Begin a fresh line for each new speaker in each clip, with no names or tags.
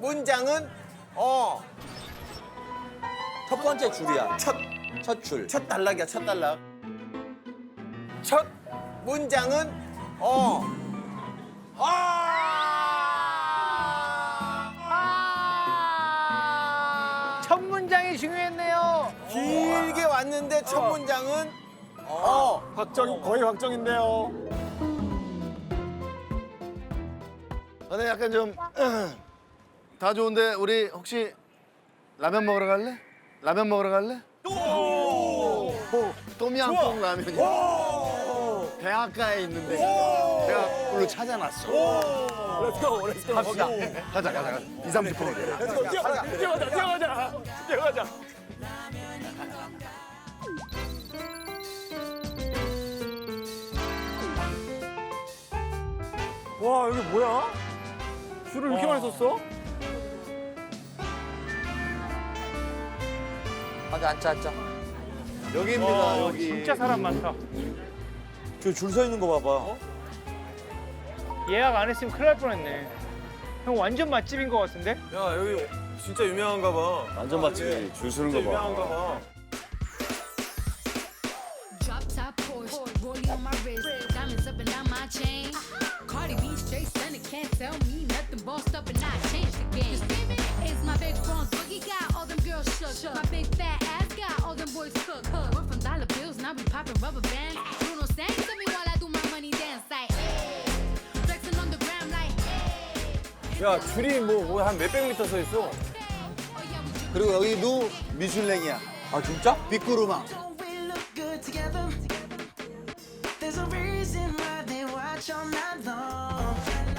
문장은
첫 번째 줄이야.
첫
줄.
단락이야, 첫 단락. 첫 문장은
첫 문장이 중요했네요.
길게 왔는데 첫 문장은
거의 확정인데요.
근데 약간 좀 다 좋은데 우리 혹시 라면 먹으러 갈래? 라면 먹으러 갈래? 똠양꿍 라면이야. 대학가에 있는데 내가 그걸로 찾아놨어.
렛츠고 갑시다.
가자. 2, 30분.
렛츠고 뛰어가자. 와 여기 뭐야? 줄을 이렇게 많이 섰어?
앉자.
여기입니다. 여기.
진짜 사람 많다.
저 줄 서 있는 거 봐봐.
예약 안 했으면 큰일 날 뻔했네. 형 완전 맛집인 것 같은데?
야, 여기 진짜 유명한가 봐.
완전 맛집이 줄 서는 거 봐.
유명한가 봐.
Drop top Porsche, rollie on my wrist, diamonds up and down my chain. Cardi B straight stunning, can't tell me nothing. Bossed up and I changed the game. It's my big bronze boogie, got all them girls shook. My big fat ass got all them boys cooked. We're from dollar bills, now we popping rubber bands. Bruno sang to me while I do my money dance like. Flexing on the gram like.
야, 줄이 뭐 한 몇백 미터 서 있어.
그리고 여기도 미슐랭이야.
아 진짜?
빅구르망.
Don't we look good together? There's a reason why they watch all night long.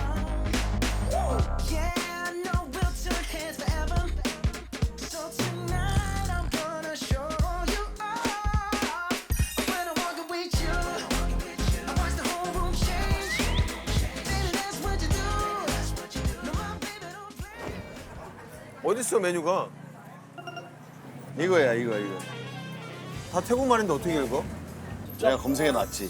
Yeah, I know we'll turn heads forever. So tonight I'm gonna show you off. When I walk with you, I watch the whole room change. Baby, that's what you do. No, my baby don't play.
어딨어, 메뉴가?
이거.
다 태국말인데 어떻게 읽어?
내가 검색해 놨지.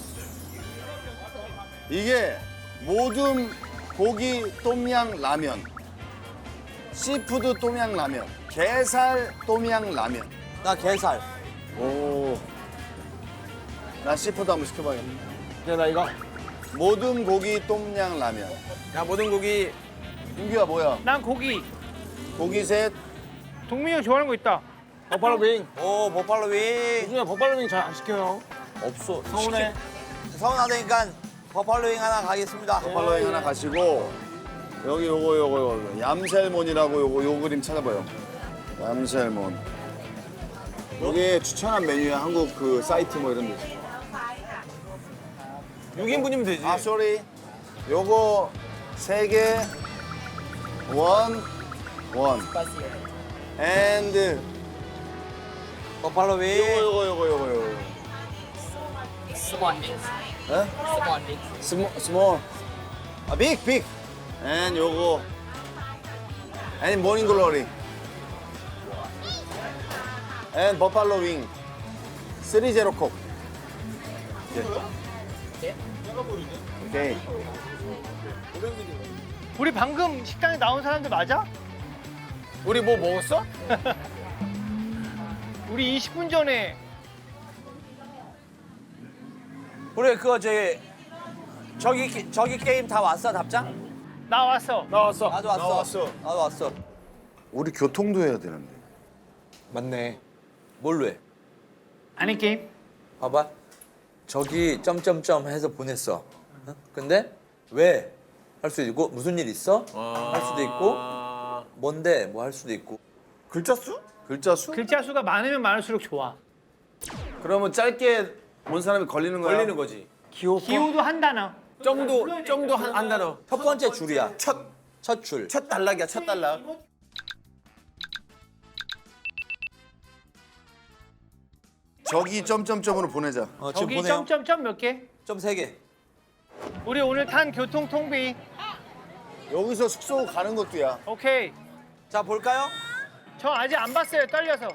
이게 모든 고기 똠양 라면, 시푸드 똠양 라면, 게살 똠양 라면.
나 게살.
오. 나 시푸드 한번 시켜봐야겠네.
야 나 이거.
모든 고기 똠양 라면.
야, 모든 고기.
윤규야 뭐야?
난 고기.
고기 셋.
동민이 형 좋아하는 거 있다.
버팔로 윙.
오 버팔로 윙.
요즘에 버팔로 윙 잘 안 시켜요.
없어.
서운해.
서운하다니까 버팔로 윙 하나 가겠습니다.
버팔로잉 하나 가시고 여기 요거 얌셀몬이라고 요 그림 찾아봐요. 얌셀몬. 여기 추천한 메뉴야. 한국 그 사이트 뭐 이런 데.
6인분이면 되지.
아, 쏘리. 요거 3개. 원. and
버팔로 윙.
요거. 에? small. 아, big. and 요거 and morning glory. and buffalo wing. 3-0 콕. 오케이.
우리 방금 식당에 나온 사람들 맞아?
우리 뭐 먹었어?
우리 20분 전에
우리 그거 저기 게임 다 왔어 답장?
나왔어.
나왔어.
나도 왔어. 나도 왔어.
우리 교통도 해야 되는데.
맞네.
뭘로 해?
아니 게임?
봐봐. 저기 점점점 해서 보냈어. 어? 근데 왜? 할 수도 있고 무슨 일 있어? 할 수도 있고 뭔데? 뭐 할 수도 있고.
글자 수?
글자 수?
글자 수가 많으면 많을수록 좋아.
그러면 짧게 본 사람이 걸리는 거야?
걸리는 거지.
기호도 한 단어.
점도 한 단어.
첫 번째 줄이야.
첫
줄.
단락이야, 첫 단락.
저기 점점점으로 보내자.
지금
저기
보내요.
점점점 몇 개?
점 3개.
우리 오늘 탄 교통 통비.
여기서 숙소 가는 것도야.
오케이.
자 볼까요?
저 아직 안 봤어요. 떨려서.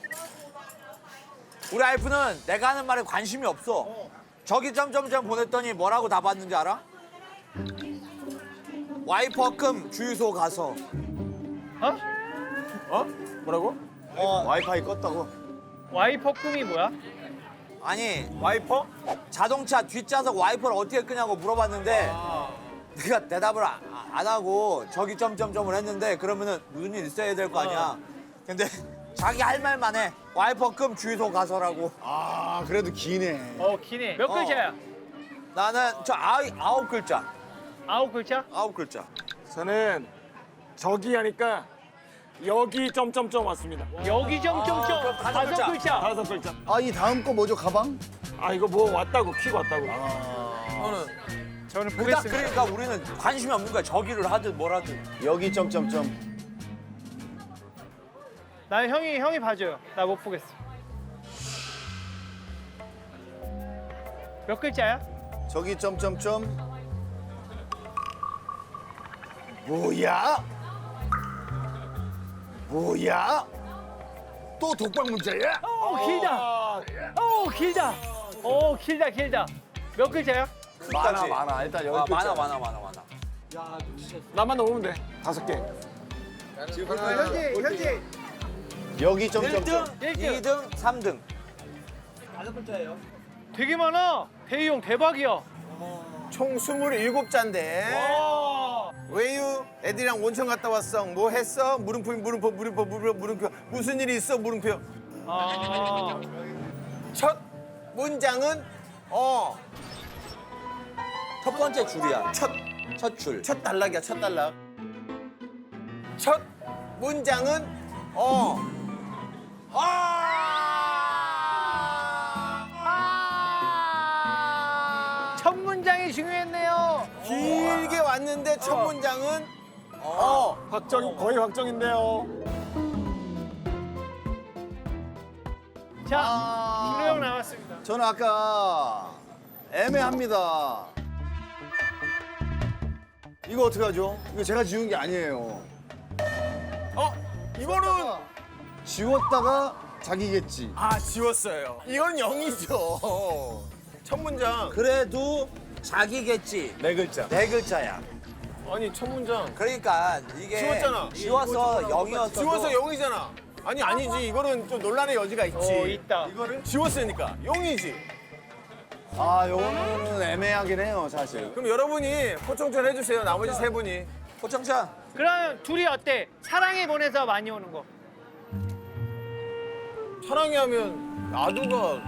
우리 와이프는 내가 하는 말에 관심이 없어. 저기 점점점 보냈더니 뭐라고 답았는지 알아? 와이퍼금 주유소 가서
어?
뭐라고?
와이파이 껐다고.
와이퍼 끔이 뭐야?
아니
와이퍼?
자동차 뒷좌석 와이퍼를 어떻게 끄냐고 물어봤는데 내가 대답을 안 하고 저기 점점점을 했는데 그러면은 무슨 일 있어야 될 거 아니야. 근데 자기 할 말만 해. 와이퍼 끔 주유소 가서라고.
아 그래도 기네.
기네. 몇 글자야?
나는 저 아홉 글자.
9글자?
아홉 글자.
저는 저기 하니까 여기 점점점 왔습니다.
여기 점점점
그럼 다섯
5글자.
5글자.
아 이 다음 거 뭐죠 가방?
아 이거 뭐 왔다고 퀵 왔다고.
저는
딱
보겠습니다.
그러니까 우리는 관심이 없는 거야. 저기를 하든 뭘 하든.
여기 점점점.
난 형이 봐줘요. 나 못 보겠어. 몇 글자야?
저기 점점점. 뭐야? 뭐야? 또 독박 문자야?
길다. 길다. 길다. 몇 글자야?
많아. 일단 여기
많아.
나만 넣으면 돼. 5개.
현재
여기 점점점.
1등, 2등, 3등.
되게 많아. 대희 형 대박이야.
총 27잔데. 왜유? 애들이랑 온천 갔다 왔어. 뭐 했어? 물음표. 무슨 일이 있어? 물음표.
아,
첫 문장은
첫 번째 줄이야.
첫
첫 줄.
단락이야. 첫 단락. 첫 문장은
첫 문장이 중요했네요.
길게 왔는데 첫 문장은
거의 확정인데요.
자, 준호 형 나왔습니다.
저는 아까 애매합니다. 이거 어떡하죠? 이거 제가 지운 게 아니에요.
이거는
지웠다가 자기겠지.
지웠어요. 이건 0이죠. 첫 문장.
그래도 자기겠지.
네 글자.
네 글자야.
아니 첫 문장.
그러니까 이게
지웠잖아.
지워서 0이었어.
지워서 0이잖아. 아니지. 이거는 좀 논란의 여지가 있지.
있다.
이거를 지웠으니까 0이지.
아, 요거는 애매하긴 해요, 사실.
그럼 여러분이 포청천 해주세요. 나머지 세 분이.
호청찬.
그럼 둘이 어때? 사랑해 보내서 많이 오는 거.
사랑해 하면 나두가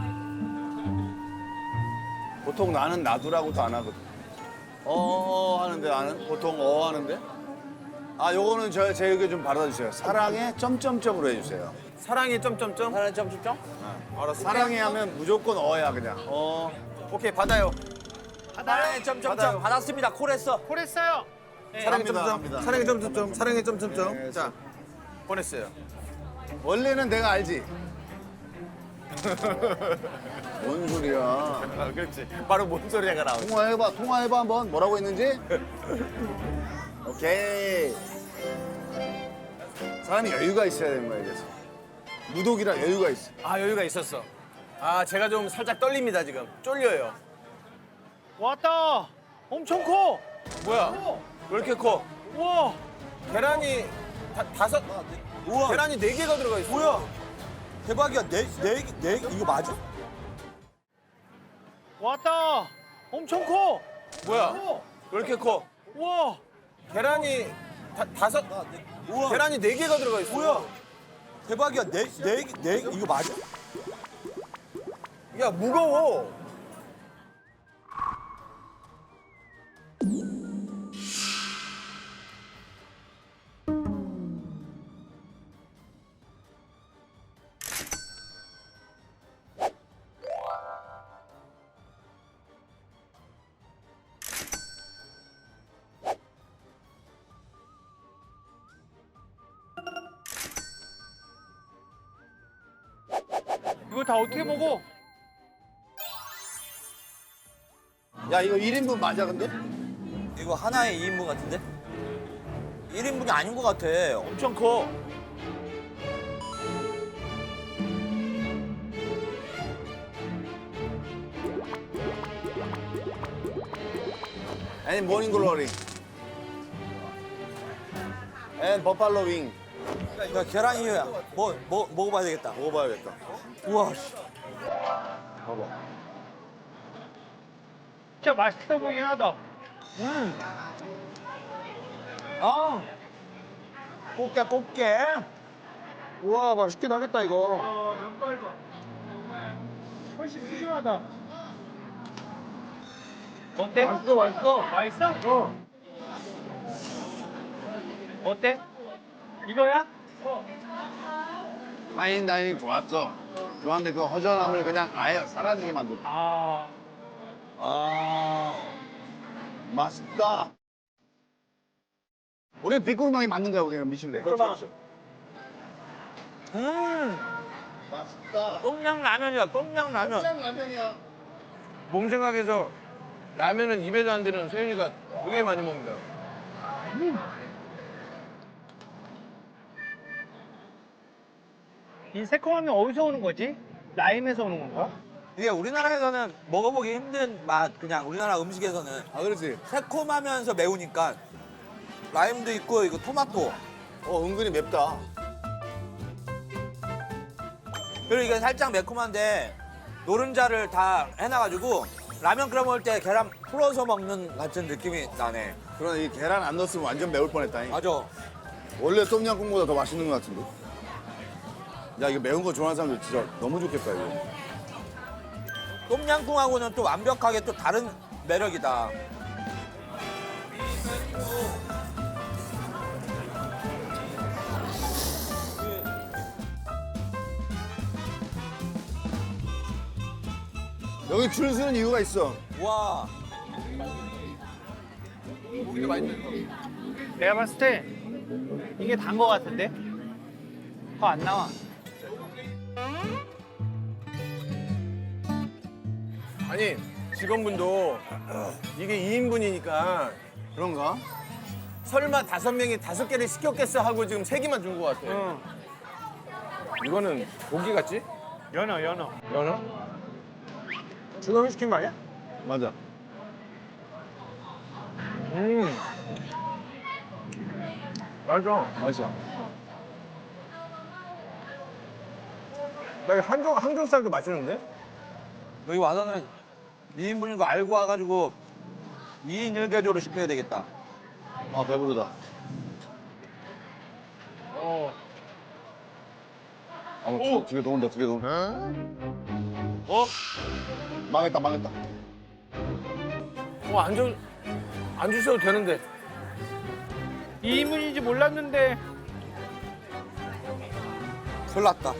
보통 나는 나두라고도 안 하거든. 하는데 나는 보통 하는데. 아, 요거는 제 의견 좀 받아주세요. 사랑해 점점점으로 해주세요.
사랑해 점점점.
하나 점점점.
알았어.
사랑해 하면 무조건 어야 그냥.
오케이 받아요.
하나에 점점점
받아요.
받았습니다. 콜했어.
콜했어요.
사랑해
합니다,
점점.
합니다.
사랑해 점점점. 사랑해 점점점.
네,
자 보냈어요.
원래는 내가 알지. 뭔 소리야.
그렇지. 바로 뭔 소리가 나오지.
통화해봐 한번. 뭐라고 했는지. 오케이. 사람이 여유가 있어야 되는 거야, 그래서. 무독이라 여유가 있어.
여유가 있었어. 제가 좀 살짝 떨립니다 지금. 쫄려요.
왔다. 엄청 커.
뭐야?
왜 이렇게 커?
우와.
계란이 다섯.
우와.
계란이 4개가 들어가 있어.
뭐야? 대박이야. 네 이거 맞아?
왔다. 엄청 커.
뭐야?
왜 이렇게 커?
우와.
계란이 다섯.
우와.
계란이 4개가 들어가 있어.
뭐야? 대박이야. 네 이거 맞아?
야 무거워.
이거 다 어떻게 먹어?
야, 이거 1인분 맞아, 근데?
이거 하나에 2인분 같은데? 1인분이 아닌 것 같아. 엄청 커.
아니, 모닝글로리. 앤 버팔로 윙.
야, 계란 이유야. 먹어봐야 되겠다.
먹어봐야겠다.
우와, 씨.
봐봐.
진짜 맛있어 보이긴 하다.
꽃게. 우와, 맛있긴 하겠다, 이거.
면발 봐. 훨씬 푸짐하다. 어때? 맛있어. 맛있어? 어때? 이거야?
파인 다이닝 좋았어. 좋았는데 그 허전함을 그냥 아예 사라지게 만들어.
아,
맛있다. 우리 비꾸르망이 맞는 거야, 우리가 미슐랭. 맛있다.
똥냥라면이야, 똥냥라면.
라면이야.
몸 생각해서 라면은 입에도 안 드는 세윤이가 되게 많이 먹는다.
이 새콤함이 어디서 오는 거지? 라임에서 오는 건가?
이게 우리나라에서는 먹어보기 힘든 맛, 그냥 우리나라 음식에서는.
아, 그렇지.
새콤하면서 매우니까. 라임도 있고, 이거 토마토.
은근히 맵다.
그리고 이게 살짝 매콤한데, 노른자를 다 해놔가지고, 라면 끓여 먹을 때 계란 풀어서 먹는 같은 느낌이 나네.
그러나 이 계란 안 넣었으면 완전 매울 뻔했다니.
맞아.
원래 똠양꿍보다 더 맛있는 것 같은데. 야, 이거 매운 거 좋아하는 사람들 진짜 너무 좋겠다, 이거.
똠양꿍하고는 또 완벽하게 또 다른 매력이다.
여기 줄 서는 이유가 있어.
와.
내가 봤을 때 이게 단 거 같은데? 더 안 나와.
아니 직원분도 이게 2인분이니까
그런가?
설마 5명이 5개를 시켰겠어 하고 지금 3개만 준 것 같아.
이거는 고기 같지?
연어.
연어? 준호이 시킨 거 아니야?
맞아.
맞아.
맛있어.
나 이거 항정살도 맛있는데?
여기 와서는 2인분인 거 알고 와가지고 2인 1개조로 시켜야 되겠다.
아, 배부르다. 두 개 더 온다, 2개 더 온다. 망했다, 망했다.
안 주셔도 되는데.
2인분인지 몰랐는데
큰일 났다.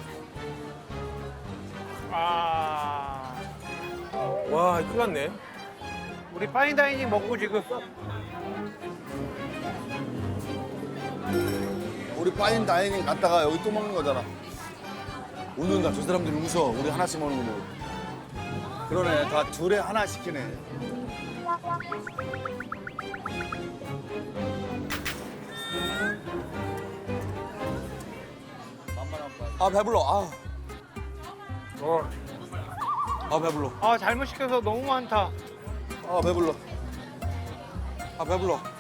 아,
와 큰일 났네.
우리 파인다이닝 먹고 지금
우리 파인 다이닝 갔다가 여기 또 먹는 거잖아. 웃는다. 저 사람들이 웃어. 우리 하나씩 먹는 거 보고. 그러네. 다 둘에 하나 시키네.
아, 배불러. 아, 배불러.
아 잘못 시켜서 너무 많다.
아, 배불러.
아, 배불러.